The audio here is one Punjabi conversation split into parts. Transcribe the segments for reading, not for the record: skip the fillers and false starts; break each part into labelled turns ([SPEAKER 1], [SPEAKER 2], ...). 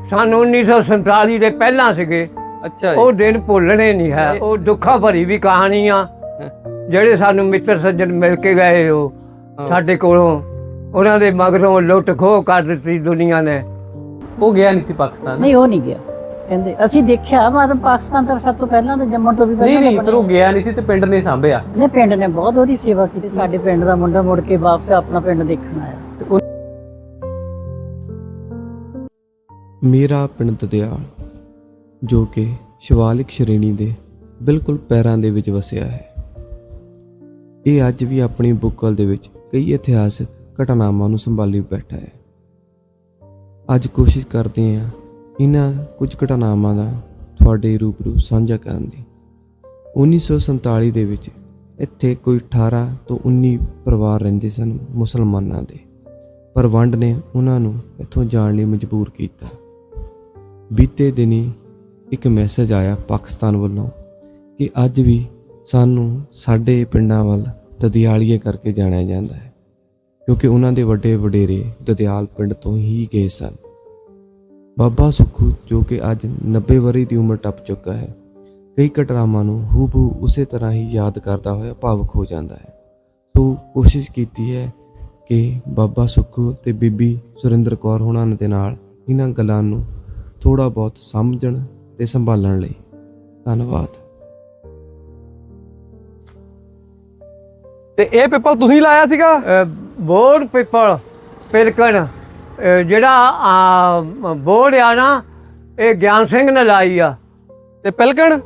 [SPEAKER 1] सन 1947 ਦੇ ਪਹਿਲਾਂ ਸੀਗੇ।
[SPEAKER 2] ਅੱਛਾ
[SPEAKER 1] ਉਹ ਦਿਨ ਭੁੱਲਣੇ ਨਹੀਂ ਹੈ। ਉਹ ਦੁੱਖਾਂ ਭਰੀ ਵੀ ਕਹਾਣੀ ਆ। ਜਿਹੜੇ ਸਾਨੂੰ ਮਿੱਤਰ ਸੱਜਣ ਮਿਲ ਕੇ ਗਏ ਉਹ ਸਾਡੇ ਕੋਲੋਂ, ਉਹਨਾਂ ਦੇ ਮਗਰੋਂ ਲੁੱਟ ਖੋਹ ਕਰ ਦਿੱਤੀ ਦੁਨੀਆ ਨੇ।
[SPEAKER 2] ਉਹ ਗਿਆ ਨਹੀਂ ਸੀ ਪਾਕਿਸਤਾਨ?
[SPEAKER 3] ਨਹੀਂ, ਉਹ ਨਹੀਂ ਗਿਆ। ਕਹਿੰਦੇ ਅਸੀਂ ਦੇਖਿਆ, ਮਤਲਬ ਪਾਕਿਸਤਾਨ ਤਾਂ ਸਭ ਤੋਂ ਪਹਿਲਾਂ ਤਾਂ ਜੰਮਣ ਤੋਂ ਵੀ ਪਹਿਲਾਂ
[SPEAKER 2] ਨਹੀਂ ਪਰ ਉਹ ਗਿਆ ਨਹੀਂ ਸੀ ਤੇ ਪਿੰਡ ਨੇ ਸਾਂਭਿਆ।
[SPEAKER 3] ਨੇ ਪਿੰਡ ਨੇ ਬਹੁਤ ਉਹਦੀ ਸੇਵਾ ਕੀਤੀ। ਸਾਡੇ ਪਿੰਡ ਦਾ ਮੁੰਡਾ ਮੁੜ ਕੇ ਵਾਪਸ ਆਪਣਾ ਪਿੰਡ ਦੇਖਣ ਆਇਆ।
[SPEAKER 4] ਮੇਰਾ ਪਿੰਡ ਦਦਿਆਲ, ਜੋ ਕਿ ਸ਼ਿਵਾਲਿਕ ਸ਼੍ਰੇਣੀ ਦੇ ਬਿਲਕੁਲ ਪੈਰਾਂ ਦੇ ਵਿੱਚ ਵਸਿਆ ਹੈ, ਇਹ ਅੱਜ ਵੀ ਆਪਣੀ ਬੁੱਕਲ ਦੇ ਵਿੱਚ ਕਈ ਇਤਿਹਾਸਕ ਘਟਨਾਵਾਂ ਨੂੰ ਸੰਭਾਲੀ ਬੈਠਾ ਹੈ। ਅੱਜ ਕੋਸ਼ਿਸ਼ ਕਰਦੇ ਹਾਂ ਇਹਨਾਂ ਕੁਝ ਘਟਨਾਵਾਂ ਦਾ ਤੁਹਾਡੇ ਰੂਬਰੂ ਸਾਂਝਾ ਕਰਨ ਦੀ। 1947 ਦੇ ਵਿੱਚ ਇੱਥੇ ਕੋਈ 18 ਤੋਂ 19 ਪਰਿਵਾਰ ਰਹਿੰਦੇ ਸਨ ਮੁਸਲਮਾਨਾਂ ਦੇ, ਪਰ ਵੰਡ ਨੇ ਉਹਨਾਂ ਨੂੰ ਇੱਥੋਂ ਜਾਣ ਲਈ ਮਜਬੂਰ ਕੀਤਾ। ਬੀਤੇ ਦਿਨੀ ਇੱਕ ਮੈਸੇਜ ਆਇਆ ਪਾਕਿਸਤਾਨ ਵੱਲੋਂ ਕਿ ਅੱਜ ਵੀ ਸਾਨੂੰ ਸਾਡੇ ਪਿੰਡਾਂ ਵੱਲ ਦਦਿਆਲੀਏ ਕਰਕੇ ਜਾਣਿਆ ਜਾਂਦਾ ਹੈ, ਕਿਉਂਕਿ ਉਹਨਾਂ ਦੇ ਵੱਡੇ ਵਡੇਰੇ ਦਦਿਆਲ ਪਿੰਡ ਤੋਂ ਹੀ ਗਏ ਸਨ। ਬਾਬਾ ਸੁੱਖੂ, ਜੋ ਕਿ ਅੱਜ 90 ਵਰ੍ਹੇ ਦੀ ਉਮਰ ਟੱਪ ਚੁੱਕਾ ਹੈ, ਕਈ ਘਟਨਾਵਾਂ ਨੂੰ ਹੂਬਹੂ ਉਸੇ ਤਰ੍ਹਾਂ ਹੀ ਯਾਦ ਕਰਦਾ ਹੋਇਆ ਭਾਵੁਕ ਹੋ ਜਾਂਦਾ ਹੈ। ਸੋ ਕੋਸ਼ਿਸ਼ ਕੀਤੀ ਹੈ ਕਿ ਬਾਬਾ ਸੁੱਖੂ ਤੇ ਬੀਬੀ ਸੁਰਿੰਦਰ ਕੌਰ ਹੋਣਾ ਦੇ ਨਾਲ ਇਹਨਾਂ ਗੱਲਾਂ ਨੂੰ ਥੋੜ੍ਹਾ ਬਹੁਤ ਸਮਝਣ ਤੇ ਸੰਭਾਲਣ ਲਈ। ਧੰਨਵਾਦ।
[SPEAKER 2] ਤੇ ਇਹ ਪਿੱਪਲ ਤੁਸੀਂ ਲਾਇਆ ਸੀਗਾ?
[SPEAKER 1] ਬੋੜ ਪਿੱਪਲ ਪਿਲਕਣ, ਜਿਹੜਾ ਬੋੜ ਆ ਨਾ, ਇਹ ਗਿਆਨ ਸਿੰਘ ਨੇ ਲਾਈ ਆ।
[SPEAKER 2] ਤੇ ਪਿਲਕਣ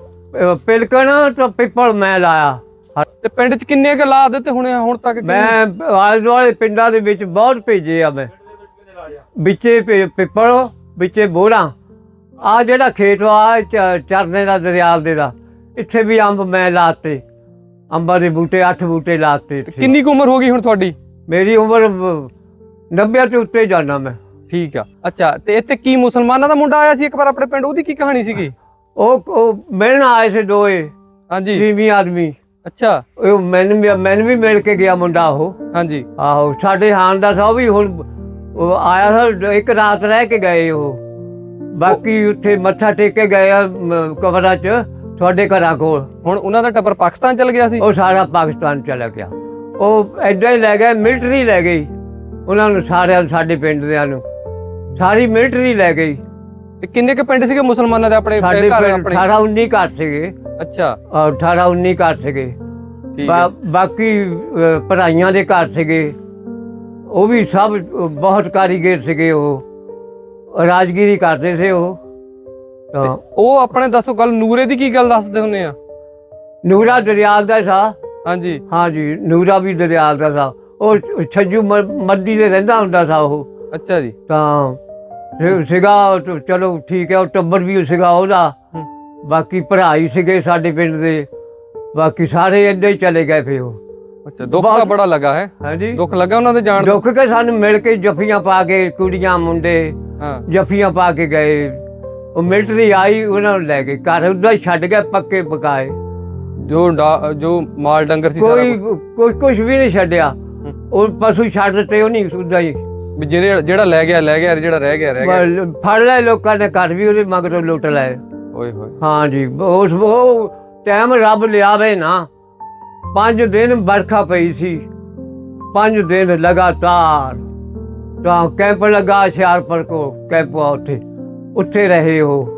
[SPEAKER 1] ਤਾਂ ਪਿੱਪਲ ਮੈਂ ਲਾਇਆ।
[SPEAKER 2] ਤੇ ਪਿੰਡ 'ਚ ਕਿੰਨੇ ਕੁ ਲਾ ਦਿੱਤੇ ਹੁਣ ਤੱਕ?
[SPEAKER 1] ਮੈਂ ਆਲੇ ਦੁਆਲੇ ਪਿੰਡਾਂ ਦੇ ਵਿੱਚ ਬਹੁਤ ਭੇਜੇ ਆ। ਮੈਂ ਵਿੱਚੇ ਪਿੱਪਲ, ਵਿੱਚੇ ਬੋੜਾਂ। ਆ ਜਿਹੜਾ ਖੇਤ ਆ ਚਰਨੇ ਦਾ, ਦਰਿਆਲ ਦੇ ਦਾ, ਇੱਥੇ ਵੀ ਅੰਬ ਮੈਂ ਲਾਤੇ। ਅੰਬਾਂ ਦੇ ਬੂਟੇ 8 ਬੂਟੇ ਲਾਤੇ।
[SPEAKER 2] ਕਿੰਨੀ ਕੁ ਉਮਰ ਹੋ ਗਈ ਹੁਣ ਤੁਹਾਡੀ?
[SPEAKER 1] ਮੇਰੀ ਉਮਰ 90 ਤੋਂ ਉੱਤੇ ਜਾਣਾ ਮੈਂ।
[SPEAKER 2] ਠੀਕ ਆ। ਅੱਛਾ, ਤੇ ਇੱਥੇ ਕੀ ਮੁਸਲਮਾਨਾਂ ਦਾ ਮੁੰਡਾ ਆਇਆ ਸੀ ਇੱਕ ਵਾਰ ਆਪਣੇ ਪਿੰਡ, ਉਹਦੀ ਕੀ ਕਹਾਣੀ ਸੀਗੀ?
[SPEAKER 1] ਉਹ ਮਿਲਣ ਆਏ ਸੀ ਦੋਏ।
[SPEAKER 2] ਹਾਂਜੀ।
[SPEAKER 1] ਤੀਵੀਂ ਆਦਮੀ।
[SPEAKER 2] ਅੱਛਾ।
[SPEAKER 1] ਉਹ ਮੈਨੂੰ ਵੀ ਮਿਲ ਕੇ ਗਿਆ ਮੁੰਡਾ ਉਹ।
[SPEAKER 2] ਹਾਂਜੀ।
[SPEAKER 1] ਆਹੋ, ਸਾਡੇ ਹਾਨ ਦਾ ਸਭ ਵੀ ਹੁਣ ਉਹ ਆਇਆ ਸੀ। ਇੱਕ ਰਾਤ ਰਹਿ ਕੇ ਗਏ ਉਹ। ਬਾਕੀ ਉੱਥੇ ਮੱਥਾ ਟੇਕ ਕੇ ਗਏ ਆ ਕਬਰਾਂ 'ਚ ਤੁਹਾਡੇ ਘਰਾਂ ਕੋਲ।
[SPEAKER 2] ਹੁਣ ਉਹਨਾਂ ਦਾ ਟੱਬਰ ਪਾਕਿਸਤਾਨ ਚਲ ਗਿਆ ਸੀ?
[SPEAKER 1] ਉਹ ਸਾਰਾ ਪਾਕਿਸਤਾਨ ਚਲਾ ਗਿਆ। ਉਹ ਏਦਾਂ ਹੀ ਲੈ ਗਏ, ਮਿਲਟਰੀ ਲੈ ਗਈ ਉਹਨਾਂ ਨੂੰ ਸਾਰਿਆਂ ਨੂੰ, ਸਾਡੇ ਪਿੰਡ ਦਿਆਂ ਨੂੰ ਸਾਰੀ ਮਿਲਟਰੀ ਲੈ ਗਈ।
[SPEAKER 2] ਤੇ ਕਿੰਨੇ ਕੁ ਪਿੰਡ ਸੀਗੇ ਮੁਸਲਮਾਨਾਂ ਦੇ ਆਪਣੇ
[SPEAKER 1] ਸਾਡੇ
[SPEAKER 2] ਘਰ?
[SPEAKER 1] 18-19 ਘਰ ਸੀਗੇ।
[SPEAKER 2] ਅੱਛਾ।
[SPEAKER 1] 18-19 ਘਰ ਸੀਗੇ। ਬਾਕੀ ਭਰਾਈਆਂ ਦੇ ਘਰ ਸੀਗੇ। ਉਹ ਵੀ ਸਭ ਬਹੁਤ ਕਾਰੀਗਰ ਸੀਗੇ। ਉਹ ਰਾਜਗੀਰੀ ਕਰਦੇ ਸੀ ਉਹ।
[SPEAKER 2] ਉਹ ਆਪਣੇ ਦੱਸੋ ਗੱਲ, ਨੂਰੇ ਦੀ ਕੀ ਗੱਲ ਦੱਸਦੇ ਹੁੰਦੇ ਆ?
[SPEAKER 1] ਨੂਰਾ ਦਰਿਆਲ ਦਾ ਸਾ।
[SPEAKER 2] ਹਾਂਜੀ
[SPEAKER 1] ਹਾਂਜੀ, ਨੂਰਾ ਵੀ ਦਰਿਆਲ ਦਾ ਸਾ। ਉਹ ਛੱਜੂ ਮੱਦੀ ਦੇ ਰਹਿੰਦਾ ਹੁੰਦਾ ਸਾ ਉਹ।
[SPEAKER 2] ਅੱਛਾ ਜੀ।
[SPEAKER 1] ਤਾਂ ਸੀਗਾ, ਚਲੋ ਠੀਕ ਹੈ। ਉਹ ਟੱਬਰ ਵੀ ਸੀਗਾ ਉਹਦਾ। ਬਾਕੀ ਭਰਾ ਹੀ ਸੀਗੇ ਸਾਡੇ ਪਿੰਡ ਦੇ। ਬਾਕੀ ਸਾਰੇ ਏਦਾਂ ਹੀ ਚਲੇ ਗਏ ਫਿਰ ਉਹ।
[SPEAKER 2] ਅੱਛਾ, ਦੁੱਖ ਤਾਂ ਬੜਾ ਲੱਗਾ ਹੈ?
[SPEAKER 1] ਹਾਂਜੀ,
[SPEAKER 2] ਦੁੱਖ ਲੱਗਾ ਉਹਨਾਂ ਦੇ ਜਾਣ?
[SPEAKER 1] ਦੁੱਖ ਕੇ ਸਾਨੂੰ ਮਿਲ ਕੇ ਜੱਫੀਆਂ ਪਾ ਕੇ, ਕੁੜੀਆਂ ਮੁੰਡੇ ਜੱਫੀਆਂ ਪਾ ਕੇ ਗਏ। ਉਹ ਮਿਲਟਰੀ ਆਈ, ਉਹਨਾਂ ਨੂੰ ਲੈ ਕੇ ਘਰ ਉੱਦਾਂ ਹੀ ਛੱਡ ਗਏ, ਪੱਕੇ ਪਕਾਏ।
[SPEAKER 2] ਜੋ ਮਾਲ ਡੰਗਰ ਸੀ
[SPEAKER 1] ਕੋਈ ਕੁਛ ਵੀ ਨਹੀਂ ਛੱਡਿਆ। ਉਹ ਪਸ਼ੂ ਛੱਡ ਦਿੱਤੇ ਉਹ ਨਹੀਂ, ਉੱਦਾਂ ਹੀ।
[SPEAKER 2] ਜਿਹੜਾ ਲੈ ਗਿਆ, ਜਿਹੜਾ ਰਹਿ ਗਿਆ
[SPEAKER 1] ਫੜ ਲਏ ਲੋਕਾਂ ਨੇ, ਘਰ ਵੀ ਉਹਦੇ ਮਗਰੋਂ ਲੁੱਟ ਲਏ।
[SPEAKER 2] ਓਏ ਹੋਏ।
[SPEAKER 1] ਹਾਂਜੀ, ਉਹ ਟਾਈਮ ਰੱਬ ਲਿਆਵੇ ਨਾ। 5 ਦਿਨ ਬਰਖਾ ਪਈ ਸੀ, 5 ਦਿਨ ਲਗਾਤਾਰ। ਤਾਂ ਕੈਂਪ ਲੱਗਾ ਹੁਸ਼ਿਆਰਪੁਰ ਕੋ, ਕੈਂਪ ਉੱਥੇ ਰਹੇ ਉਹ।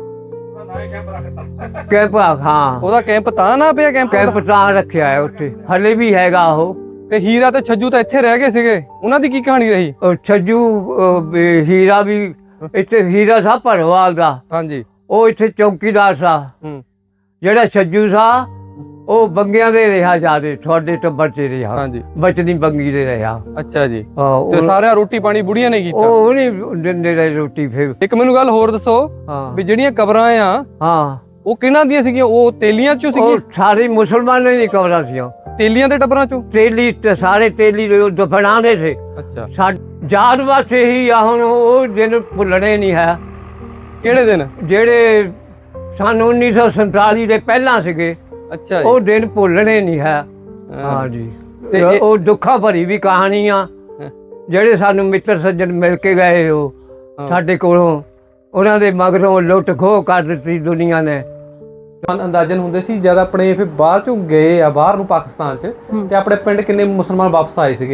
[SPEAKER 1] ਕੈਂਪ, ਹਾਂ,
[SPEAKER 2] ਉਹਦਾ ਕੈਂਪ ਤਾਂ ਨਾ ਪਿਆ?
[SPEAKER 1] ਕੈਂਪ ਤਾਂ ਰੱਖਿਆ ਹੈ ਉੱਥੇ, ਹਲੇ ਵੀ ਹੈਗਾ ਉਹ।
[SPEAKER 2] ਤੇ ਹੀਰਾ ਤੇ ਛੱਜੂ ਤਾਂ ਇੱਥੇ ਰਹਿ ਗਏ ਸੀਗੇ, ਉਹਨਾਂ ਦੀ ਕੀ ਕਹਾਣੀ ਰਹੀ?
[SPEAKER 1] ਛੱਜੂ, ਹੀਰਾ ਵੀ ਇੱਥੇ। ਹੀਰਾ ਸਾ ਭਰਵਾਲ ਦਾ।
[SPEAKER 2] ਹਾਂਜੀ।
[SPEAKER 1] ਉਹ ਇੱਥੇ ਚੌਕੀਦਾਰ ਸਾ। ਜਿਹੜਾ ਛੱਜੂ ਸਾ ਉਹ ਬੰਗਿਆਂ ਦੇ ਰਿਹਾ ਜਿਆਦੇ, ਤੁਹਾਡੇ ਟੱਬਰ 'ਚ ਰਿਹਾ।
[SPEAKER 2] ਹਾਂਜੀ।
[SPEAKER 1] ਬਚਨੀ ਬੰਗੀ ਦੇ ਰਿਹਾ।
[SPEAKER 2] ਅੱਛਾ ਜੀ। ਤੇ ਸਾਰਾ ਰੋਟੀ ਪਾਣੀ ਬੁੜੀਆਂ ਨੇ ਕੀਤਾ?
[SPEAKER 1] ਉਹ ਨਹੀਂ ਦਿੰਦੇ ਰਹੇ ਰੋਟੀ। ਫਿਰ
[SPEAKER 2] ਇੱਕ ਮੈਨੂੰ ਗੱਲ ਹੋਰ ਦੱਸੋ ਵੀ ਜਿਹੜੀਆਂ ਕਬਰਾਂ ਆ,
[SPEAKER 1] ਹਾਂ,
[SPEAKER 2] ਉਹ ਕਿਹਨਾਂ ਦੀਆਂ ਸੀਗੀਆਂ? ਉਹ ਤੇਲੀਆਂ 'ਚੋਂ ਸੀਗੀਆਂ?
[SPEAKER 1] ਉਹ ਸਾਰੇ ਮੁਸਲਮਾਨਾਂ ਦੀ ਕਬਰਾਂ ਸੀਆਂ।
[SPEAKER 2] ਤੇਲੀਆਂ ਦੇ ਟੱਬਰਾਂ 'ਚੋਂ?
[SPEAKER 1] ਤੇਲੀ ਤੇ ਸਾਰੇ ਤੇਲੀ ਦਫਨਾਉਂਦੇ ਸੀ।
[SPEAKER 2] ਅੱਛਾ।
[SPEAKER 1] ਯਾਦ ਵਾਸਤੇ ਹੀ ਆ। ਹੁਣ ਉਹ ਦਿਨ ਭੁੱਲਣੇ ਨਹੀਂ ਹੈ।
[SPEAKER 2] ਕਿਹੜੇ ਦਿਨ?
[SPEAKER 1] ਜਿਹੜੇ ਸਨ 1947 ਦੇ ਪਹਿਲਾਂ ਸੀਗੇ।
[SPEAKER 2] ਅੱਛਾ।
[SPEAKER 1] ਉਹ ਦਿਨ ਭੁੱਲਣੇ ਨਹੀਂ ਹੈ। ਹਾਂਜੀ। ਉਹ ਦੁੱਖਾਂ ਭਰੀ ਵੀ ਕਹਾਣੀ ਆ। ਜਿਹੜੇ ਸਾਨੂੰ ਮਿੱਤਰ ਸੱਜਣ ਮਿਲ ਕੇ ਗਏ ਉਹ ਸਾਡੇ ਕੋਲੋਂ, ਉਹਨਾਂ ਦੇ ਮਗਰੋਂ ਲੁੱਟ ਖੋਹ ਕਰ ਦਿੱਤੀ ਦੁਨੀਆ ਨੇ।
[SPEAKER 2] ਅੰਦਾਜ਼ਨ ਹੁੰਦੇ ਸੀ ਜਦ ਆਪਣੇ ਫਿਰ ਬਾਅਦ ਚੋਂ ਗਏ ਆ ਬਾਹਰ ਨੂੰ ਪਾਕਿਸਤਾਨ 'ਚ, ਤੇ ਆਪਣੇ ਪਿੰਡ ਕਿੰਨੇ ਮੁਸਲਮਾਨ ਵਾਪਸ ਆਏ ਸੀਗੇ?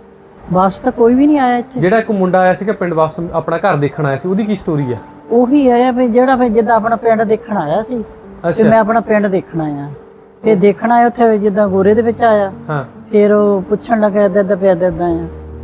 [SPEAKER 3] ਬਸ ਤਾਂ ਕੋਈ ਵੀ ਨਹੀਂ ਆਇਆ ਇੱਥੇ।
[SPEAKER 2] ਜਿਹੜਾ ਇੱਕ ਮੁੰਡਾ ਆਇਆ ਸੀਗਾ ਪਿੰਡ ਵਾਪਸ ਆਪਣਾ ਘਰ ਦੇਖਣ ਆਇਆ ਸੀ, ਉਹਦੀ ਕੀ ਸਟੋਰੀ ਆ?
[SPEAKER 3] ਉਹੀ ਆਇਆ ਵੀ ਜਿਹੜਾ ਵੀ ਜਿੱਦਾਂ ਆਪਣਾ ਪਿੰਡ ਦੇਖਣ ਆਇਆ ਸੀ, ਤੇ ਮੈਂ ਆਪਣਾ ਪਿੰਡ ਦੇਖਣ ਆਇਆ। ਫਿਰ ਦੇਖਣ ਆਇਆ ਉੱਥੇ ਜਿੱਦਾਂ ਗੋਰੇ ਦੇ ਵਿੱਚ ਆਇਆ।
[SPEAKER 2] ਹਾਂ।
[SPEAKER 3] ਫਿਰ ਉਹ ਪੁੱਛਣ ਲੱਗਾ ਏਦਾਂ ਪਿਆ ਏਦਾਂ ਆ,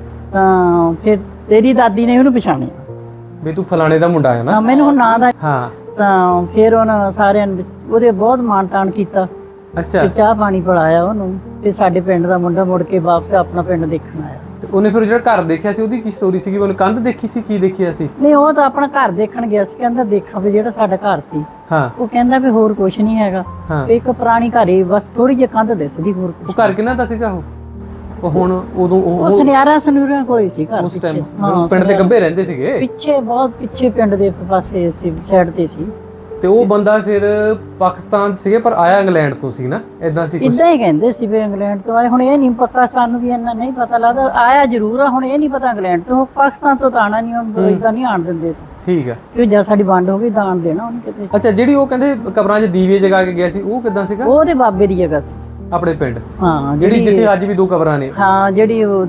[SPEAKER 3] ਤਾਂ ਫਿਰ ਤੇਰੀ ਦਾਦੀ ਨੇ ਉਹਨੂੰ ਪਛਾਣਿਆ
[SPEAKER 2] ਵੀ ਤੂੰ ਫਲਾਣੇ ਦਾ ਮੁੰਡਾ ਹੈ ਨਾ।
[SPEAKER 3] ਹਾਂ, ਮੈਨੂੰ ਹੁਣ ਨਾਂ ਦਾ।
[SPEAKER 2] ਹਾਂ।
[SPEAKER 3] ਤਾਂ ਫਿਰ ਉਹਨਾਂ ਸਾਰਿਆਂ ਨੇ ਉਹਦੇ ਬਹੁਤ ਮਾਣ ਤਾਣ ਕੀਤਾ।
[SPEAKER 2] ਅੱਛਾ।
[SPEAKER 3] ਤੇ ਚਾਹ ਪਾਣੀ ਪਿਲਾਇਆ ਉਹਨੂੰ, ਤੇ ਸਾਡੇ ਪਿੰਡ ਦਾ ਮੁੰਡਾ ਮੁੜ ਕੇ ਵਾਪਸ ਆਪਣਾ ਪਿੰਡ ਦੇਖਣ ਆਇਆ।
[SPEAKER 2] ਤੇ ਉਹਨੇ ਫਿਰ ਜਿਹੜਾ ਘਰ ਦੇਖਿਆ ਸੀ ਉਹਦੀ ਕੀ ਸਟੋਰੀ ਸੀਗੀ? ਉਹਨੇ ਕੰਧ ਦੇਖੀ ਸੀ, ਕੀ ਦੇਖਿਆ ਸੀ?
[SPEAKER 3] ਨਹੀਂ, ਉਹ ਤਾਂ ਆਪਣਾ ਘਰ ਦੇਖਣ ਗਿਆ ਸੀ। ਕਹਿੰਦਾ ਦੇਖਾਂ ਵੀ ਜਿਹੜਾ ਸਾਡਾ ਘਰ ਸੀ।
[SPEAKER 2] ਹਾਂ।
[SPEAKER 3] ਉਹ ਕਹਿੰਦਾ ਵੀ ਹੋਰ ਕੁਝ ਨਹੀਂ ਹੈਗਾ।
[SPEAKER 2] ਹਾਂ।
[SPEAKER 3] ਇੱਕ ਪੁਰਾਣੀ ਘਰ ਹੀ ਬਸ, ਥੋੜੀ ਜਿਹੀ ਕੰਧ ਦਿਸਦੀ, ਹੋਰ
[SPEAKER 2] ਉਹ ਘਰ ਕਿਹਨਾਂ ਦਾ ਸੀਗਾ? ਉਹ ਹੁਣ ਉਦੋਂ
[SPEAKER 3] ਉਹ ਸੁਨਿਆਰਾਂ ਸਨੂਰਾਂ ਕੋਲ ਹੀ ਸੀ ਘਰ।
[SPEAKER 2] ਉਸ ਟਾਈਮ
[SPEAKER 3] ਹਾਂ,
[SPEAKER 2] ਪਿੰਡ ਦੇ ਗੱਭੇ ਰਹਿੰਦੇ ਸੀਗੇ
[SPEAKER 3] ਪਿੱਛੇ, ਬਹੁਤ ਪਿੱਛੇ ਪਿੰਡ ਦੇ ਪਾਸੇ ਸੀ, ਸਾਈਡ ਤੇ ਸੀ।
[SPEAKER 2] ਤੇ ਉਹ ਬੰਦਾ ਫਿਰ ਪਾਕਿਸਤਾਨ 'ਚ ਸੀਗੇ ਪਰ ਆਇਆ ਇੰਗਲੈਂਡ ਤੋਂ ਸੀ ਨਾ, ਇਦਾਂ ਸੀ ਕੁਛ?
[SPEAKER 3] ਇਦਾਂ ਹੀ ਕਹਿੰਦੇ ਸੀ ਵੀ ਇੰਗਲੈਂਡ ਤੋਂ ਆਏ। ਹੁਣ ਇਹ ਨਹੀਂ ਪਤਾ, ਸਾਨੂੰ ਵੀ ਇੰਨਾ ਨਹੀਂ ਪਤਾ ਲੱਗਦਾ। ਆਇਆ ਜ਼ਰੂਰ ਆ, ਹੁਣ ਇਹ ਨਹੀਂ ਪਤਾ ਇੰਗਲੈਂਡ ਤੋਂ। ਪਾਕਿਸਤਾਨ ਤੋਂ ਤਾਂ ਆਣਾ ਨਹੀਂ, ਹੁਣ ਇਦਾਂ ਨਹੀਂ ਆਣ ਦਿੰਦੇ ਸੀ।
[SPEAKER 2] ਠੀਕ ਆ।
[SPEAKER 3] ਕਿ ਜਦ ਸਾਡੀ ਵੰਡ ਹੋ ਗਈ ਦਾਨ ਦੇਣਾ ਉਹਨੂੰ ਕਿਤੇ।
[SPEAKER 2] ਅੱਛਾ, ਜਿਹੜੀ ਉਹ ਕਹਿੰਦੇ ਕਬਰਾਂ 'ਚ ਦੀਵੇ ਜਗਾ ਕੇ ਗਿਆ ਸੀ, ਉਹ ਕਿਦਾਂ ਸੀਗਾ?
[SPEAKER 3] ਉਹ ਉਹਦੇ ਬਾਬੇ ਦੀ ਜਗ੍ਹਾ ਸੀ
[SPEAKER 2] ਆਪਣੇ ਪਿੰਡ?
[SPEAKER 3] ਹਾਂ,
[SPEAKER 2] ਜਿਹੜੀ ਜਿੱਥੇ ਅੱਜ ਵੀ 2 ਕਬਰਾਂ ਨੇ।
[SPEAKER 3] ਹਾਂ, ਜਿਹੜੀ ਉਹ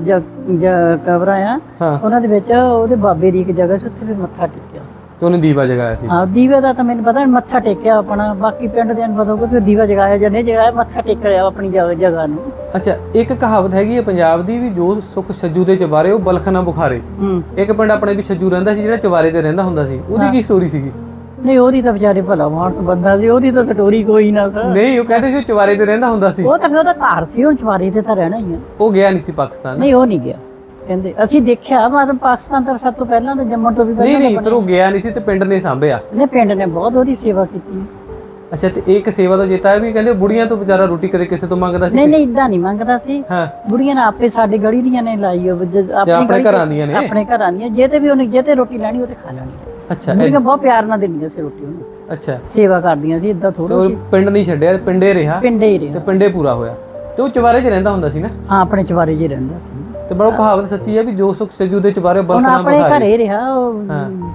[SPEAKER 3] ਕਬਰਾਂ ਆ,
[SPEAKER 2] ਹਾਂ।
[SPEAKER 3] ਉਹਨਾਂ ਦੇ ਵਿੱਚ ਉਹਦੇ ਬਾਬੇ ਦੀ ਇੱਕ ਜਗ੍ਹਾ ਸੀ, ਉੱਥੇ ਵੀ ਮੱਥਾ ਟੇਕਿਆ।
[SPEAKER 2] ਤੇ ਉਹਨੇ ਦੀਵਾ ਜਗਾਇਆ ਸੀ?
[SPEAKER 3] ਹਾਂ, ਦੀਵੇ ਦਾ ਤਾਂ ਮੈਨੂੰ ਪਤਾ, ਮੱਥਾ ਟੇਕਿਆ ਆਪਣਾ। ਬਾਕੀ ਪਿੰਡ ਦੇ ਨੂੰ ਪਤਾ ਹੋਊਗਾ ਕਿ ਦੀਵਾ ਜਗਾਇਆ ਜਾਂ ਨਹੀਂ ਜਗਾਇਆ, ਮੱਥਾ ਟੇਕ ਲਿਆ ਆਪਣੀ ਜਗ੍ਹਾ ਨੂੰ।
[SPEAKER 2] ਅੱਛਾ, ਇੱਕ ਕਹਾਵਤ ਹੈਗੀ ਹੈ ਪੰਜਾਬ ਦੀ ਵੀ, ਜੋ ਸੁੱਖ ਛੱਜੂ ਦੇ ਚਵਾਰੇ ਉਹ ਬਲਖ ਨਾ ਬੁਖਾਰੇ। ਇੱਕ ਪਿੰਡ ਆਪਣੇ ਵੀ ਛੱਜੂ ਰਹਿੰਦਾ ਸੀ ਜਿਹੜਾ ਚਵਾਰੇ ਤੇ ਰਹਿੰਦਾ ਹੁੰਦਾ ਸੀ, ਉਹਦੀ ਕੀ ਸਟੋਰੀ ਸੀਗੀ?
[SPEAKER 3] ਨਹੀਂ, ਉਹਦੀ ਤਾਂ ਵਿਚਾਰੇ ਭਲਾ ਮਾਨਸ ਬੰਦਾ ਸੀ, ਉਹਦੀ ਤਾਂ ਸਟੋਰੀ ਕੋਈ ਨਾ ਸਰ।
[SPEAKER 2] ਨਹੀਂ, ਉਹ ਕਹਿੰਦੇ ਸੀ ਉਹ ਚਵਾਰੇ ਤੇ ਰਹਿੰਦਾ ਹੁੰਦਾ ਸੀ।
[SPEAKER 3] ਉਹ ਤਾਂ ਫਿਰ ਉਹਦਾ ਘਰ ਸੀ, ਹੁਣ ਚਵਾਰੇ ਤੇ ਤਾਂ ਰਹਿਣਾ ਹੀ ਆ।
[SPEAKER 2] ਉਹ ਗਿਆ ਨਹੀਂ ਸੀ ਪਾਕਿਸਤਾਨ?
[SPEAKER 3] ਨਹੀਂ, ਉਹ ਨਹੀਂ ਗਿਆ ਕਹਿੰਦੇ। ਅਸੀਂ ਦੇਖਿਆ, ਮਤਲਬ ਪਾਕਿਸਤਾਨ ਤਾਂ ਸਭ ਤੋਂ ਪਹਿਲਾਂ ਤਾਂ ਜੰਮਣ ਤੋਂ ਵੀ ਪਹਿਲਾਂ।
[SPEAKER 2] ਨਹੀਂ, ਪਰ ਉਹ ਗਿਆ ਨਹੀਂ ਸੀ ਤੇ ਪਿੰਡ ਨੇ ਸਾਂਭਿਆ।
[SPEAKER 3] ਨੇ ਪਿੰਡ ਨੇ ਬਹੁਤ ਉਹਦੀ ਸੇਵਾ ਕੀਤੀ।
[SPEAKER 2] ਅੱਛਾ, ਤੇ ਇੱਕ ਸੇਵਾ ਤੋਂ ਚੇਤਾ ਹੈ ਵੀ ਕਹਿੰਦੇ ਬੁੜੀਆਂ ਤੋਂ ਵਿਚਾਰਾ ਰੋਟੀ ਕਦੇ ਕਿਸੇ ਤੋਂ ਮੰਗਦਾ ਸੀ?
[SPEAKER 3] ਨਹੀਂ ਨਹੀਂ, ਇਦਾਂ ਨਹੀਂ ਮੰਗਦਾ ਸੀ।
[SPEAKER 2] ਹਾਂ।
[SPEAKER 3] ਬੁੜੀਆਂ ਨੇ ਆਪੇ ਸਾਡੇ ਗਲੀ ਦੀਆਂ ਨੇ ਲਾਈ
[SPEAKER 2] ਆਪਣੇ ਘਰਾਂ ਦੀਆਂ ਨੇ?
[SPEAKER 3] ਆਪਣੇ ਘਰਾਂ ਦੀਆਂ। ਜੇ ਤੇ ਵੀ ਉਹਨੇ ਜੇ ਤੇ ਰੋਟੀ ਲੈਣੀ ਉਹ ਤੇ ਖਾ ਲੈਣੀ।
[SPEAKER 2] ਅੱਛਾ।
[SPEAKER 3] ਬੁੜੀਆਂ ਬਹੁਤ ਪਿਆਰ ਨਾਲ ਦਿੰਦੀਆਂ ਸੀ ਰੋਟੀ ਉਹਨੂੰ।
[SPEAKER 2] ਅੱਛਾ।
[SPEAKER 3] ਸੇਵਾ ਕਰਦੀਆਂ ਸੀ, ਇਦਾਂ ਥੋੜਾ
[SPEAKER 2] ਉਹ ਪਿੰਡ ਨਹੀਂ ਛੱਡਿਆ, ਪਿੰਡੇ ਰਿਹਾ?
[SPEAKER 3] ਪਿੰਡੇ ਹੀ
[SPEAKER 2] ਤੇ
[SPEAKER 3] ਰਿਹਾ।
[SPEAKER 2] ਪਿੰਡੇ ਪੂਰਾ ਹੋਇਆ। ਤੇ ਉਹ ਚਵਾਰੇ 'ਚ ਰਹਿੰਦਾ ਹੁੰਦਾ ਸੀ ਨਾ?
[SPEAKER 3] ਹਾਂ, ਆਪਣੇ ਚਵਾਰੇ 'ਚ ਹੀ ਰਹਿੰਦਾ ਸੀ।
[SPEAKER 2] ਤੇ ਬੜਾ ਕਹਾਵਤ ਸੱਚੀ ਹੈ ਵੀ ਜੋ ਸੁੱਖ ਛੱਜੂ ਦੇ ਚਵਾਰੇ ਬਲਖ
[SPEAKER 3] ਹੁਣ
[SPEAKER 2] ਨਾ
[SPEAKER 3] ਆਪਣੇ
[SPEAKER 2] ਬੁਖਾਰੇ।
[SPEAKER 3] ਘਰੇ ਰਿਹਾ ਉਹ।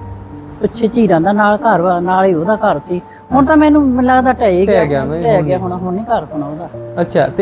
[SPEAKER 3] ਪਿੱਛੇ ਝੀਰਾਂ ਦਾ ਨਾਲ ਘਰ ਵਾ, ਨਾਲ ਹੀ ਉਹਦਾ ਘਰ ਸੀ। ਹੁਣ ਤਾਂ ਮੈਨੂੰ ਲੱਗਦਾ ਢਹਿ ਗਿਆ ਹੁਣ ਨਹੀਂ ਘਰ ਹੋਣਾ ਉਹਦਾ।
[SPEAKER 2] ਅੱਛਾ। ਤੇ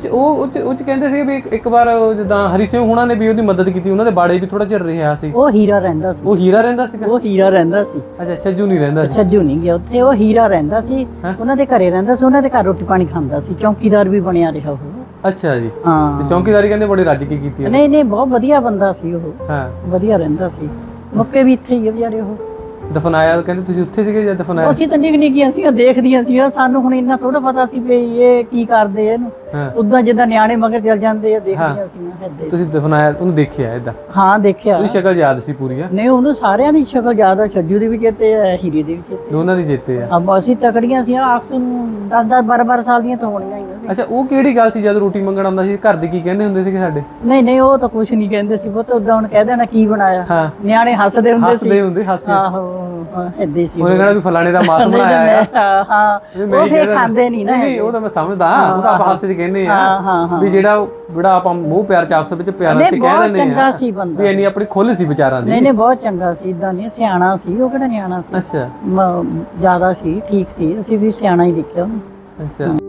[SPEAKER 2] ਉਹ ਚ ਕਹਿੰਦੇ ਸੀ ਵੀ ਇੱਕ ਵਾਰ ਜਿੱਦਾਂ ਹਰੀ ਸਿੰਘ ਹੁਣਾਂ ਨੇ ਵੀ ਉਹਦੀ ਮਦਦ ਕੀਤੀ, ਉਹਨਾਂ ਦੇ ਬਾੜੇ ਵੀ ਥੋੜਾ ਚਿਰ ਰਿਹਾ ਸੀ।
[SPEAKER 3] ਉਹ ਹੀਰਾ ਰਹਿੰਦਾ ਸੀ।
[SPEAKER 2] ਉਹ ਹੀਰਾ ਰਹਿੰਦਾ ਸੀਗਾ?
[SPEAKER 3] ਉਹ ਹੀਰਾ ਰਹਿੰਦਾ ਸੀ।
[SPEAKER 2] ਅੱਛਾ, ਛੱਜੂ ਨਹੀਂ ਰਹਿੰਦਾ ਸੀ?
[SPEAKER 3] ਛੱਜੂ ਨਹੀਂ ਗਿਆ ਉੱਥੇ, ਉਹ ਹੀਰਾ ਰਹਿੰਦਾ ਸੀ। ਉਹਨਾਂ ਦੇ ਘਰੇ ਰਹਿੰਦਾ ਸੀ, ਉਹਨਾਂ ਦੇ ਘਰ ਰੋਟੀ ਪਾਣੀ ਖਾਂਦਾ ਸੀ। ਚੌਕੀਦਾਰ ਵੀ ਬਣਿਆ ਰਿਹਾ ਉਹ।
[SPEAKER 2] ਅੱਛਾ ਜੀ।
[SPEAKER 3] ਹਾਂ।
[SPEAKER 2] ਤੇ ਚੌਕੀਦਾਰੀ ਕਹਿੰਦੇ ਬੜੀ ਰੱਜ ਕੇ ਕੀਤੀ?
[SPEAKER 3] ਨਹੀਂ ਨਹੀਂ, ਬਹੁਤ ਵਧੀਆ ਬੰਦਾ ਸੀ ਉਹ।
[SPEAKER 2] ਹਾਂ,
[SPEAKER 3] ਵਧੀਆ ਰਹਿੰਦਾ ਸੀ। ਮੁੱਕੇ ਵੀ ਇੱਥੇ ਹੀ ਆ ਵਿਚਾਰੇ ਉਹ।
[SPEAKER 2] ਦਫਨਾਇਆ ਕਹਿੰਦੇ ਤੁਸੀਂ ਉੱਥੇ ਸੀਗੇ ਜਾਂ ਦਫਨਾਇਆ?
[SPEAKER 3] ਅਸੀਂ ਤਾਂ ਨਿੱਕੀਆਂ ਸੀ, ਦੇਖਦੀਆਂ ਸੀ। ਸਾਨੂੰ ਹੁਣ ਇੰਨਾ ਥੋੜਾ ਪਤਾ ਸੀ ਵੀ ਇਹ ਕੀ ਕਰਦੇ ਇਹਨੂੰ। ਉਦਾਂ ਜਿੱਦਾਂ ਨਿਆਣੇ ਮਗਰ ਚੱਲ ਜਾਂਦੇ ਆ, ਦੇਖਦੀਆਂ ਸੀ ਏਦਾਂ।
[SPEAKER 2] ਤੁਸੀਂ ਦਫਨਾਇਆ, ਉਹਨੂੰ ਦੇਖਿਆ ਏਦਾਂ?
[SPEAKER 3] ਹਾਂ, ਦੇਖਿਆ।
[SPEAKER 2] ਉਹਦੀ ਸ਼ਕਲ ਯਾਦ ਸੀ ਪੂਰੀ?
[SPEAKER 3] ਨਹੀਂ, ਉਹਨੂੰ ਸਾਰਿਆਂ ਦੀ ਸ਼ਕਲ ਯਾਦ ਆ। ਛੱਜੂ ਦੀ ਵੀ ਚੇਤੇ ਆ, ਹੀਰੇ ਦੀ ਵੀ ਚੇਤੇ।
[SPEAKER 2] ਦੋਨਾਂ ਦੀ ਚੇਤੇ ਆ?
[SPEAKER 3] ਅਸੀਂ ਤਕੜੀਆਂ ਸੀ। ਅਕਸਰ 10-10 12-12 ਸਾਲ ਦੀਆਂ ਤਾਂ ਹੋਣੀਆਂ ਹੀ ਸੀ।
[SPEAKER 2] ਅੱਛਾ, ਉਹ ਕਿਹੜੀ ਗੱਲ ਸੀ ਜਦ ਰੋਟੀ ਮੰਗਣ ਆਉਂਦਾ ਸੀ? ਘਰ ਦੇ ਕੀ ਕਹਿੰਦੇ ਹੁੰਦੇ ਸੀਗੇ ਸਾਡੇ?
[SPEAKER 3] ਨਹੀਂ ਨਹੀਂ, ਉਹ ਤਾਂ ਕੁਝ ਨਹੀਂ ਕਹਿੰਦੇ ਸੀ। ਉਹ ਤਾਂ ਉਦਾਂ ਹੁਣ ਕਹਿ ਦੇਣਾ ਕੀ ਬਣਾਇਆ। ਨਿਆਣੇ ਹੱਸਦੇ ਹੁੰਦੇ ਸੀ।
[SPEAKER 2] ਹੱਸਦੇ।
[SPEAKER 3] ਆਹੋ, ਏਦਾਂ ਸੀ।
[SPEAKER 2] ਉਹਨੇ ਕਹਿਣਾ ਵੀ ਫਲਾਣੇ ਦਾ ਮਾਸ ਬਣਾਇਆ ਹੈ।
[SPEAKER 3] ਹਾਂ, ਉਹ ਫੇਰ ਖਾਂਦੇ ਨਹੀਂ ਨਾ।
[SPEAKER 2] ਨਹੀਂ, ਉਹ ਤਾਂ ਮੈਂ ਸਮਝਦਾ, ਉਹ ਤਾਂ ਆਪਾਂ ਹਾਸੇ 'ਚ ਕਹਿੰਦੇ ਆ
[SPEAKER 3] ਹਾਂ
[SPEAKER 2] ਵੀ ਜਿਹੜਾ ਆਪਾਂ ਮੂੰਹ ਪਿਆਰ ਚ ਆਪਸ ਵਿੱਚ ਪਿਆਰ ਨਾਲ ਕਹਿ ਦਿੰਦੇ ਆ।
[SPEAKER 3] ਚੰਗਾ ਸੀ ਬੰਦਾ।
[SPEAKER 2] ਵੀ ਇੰਨੀ ਆਪਣੀ ਖੁੱਲ ਸੀ ਵਿਚਾਰਾਂ ਦੀ।
[SPEAKER 3] ਨਹੀਂ ਨਹੀਂ, ਬਹੁਤ ਚੰਗਾ ਸੀ। ਇਦਾਂ ਨਹੀਂ, ਸਿਆਣਾ ਸੀ ਉਹ। ਕਿਹੜਾ ਨਿਆਣਾ ਸੀ?
[SPEAKER 2] ਅੱਛਾ।
[SPEAKER 3] ਜ਼ਿਆਦਾ ਸੀ, ਠੀਕ ਸੀ। ਅਸੀਂ ਵੀ ਸਿਆਣਾ ਹੀ ਦੇਖਿਆ ਉਹਨੂੰ।
[SPEAKER 2] ਅੱਛਾ।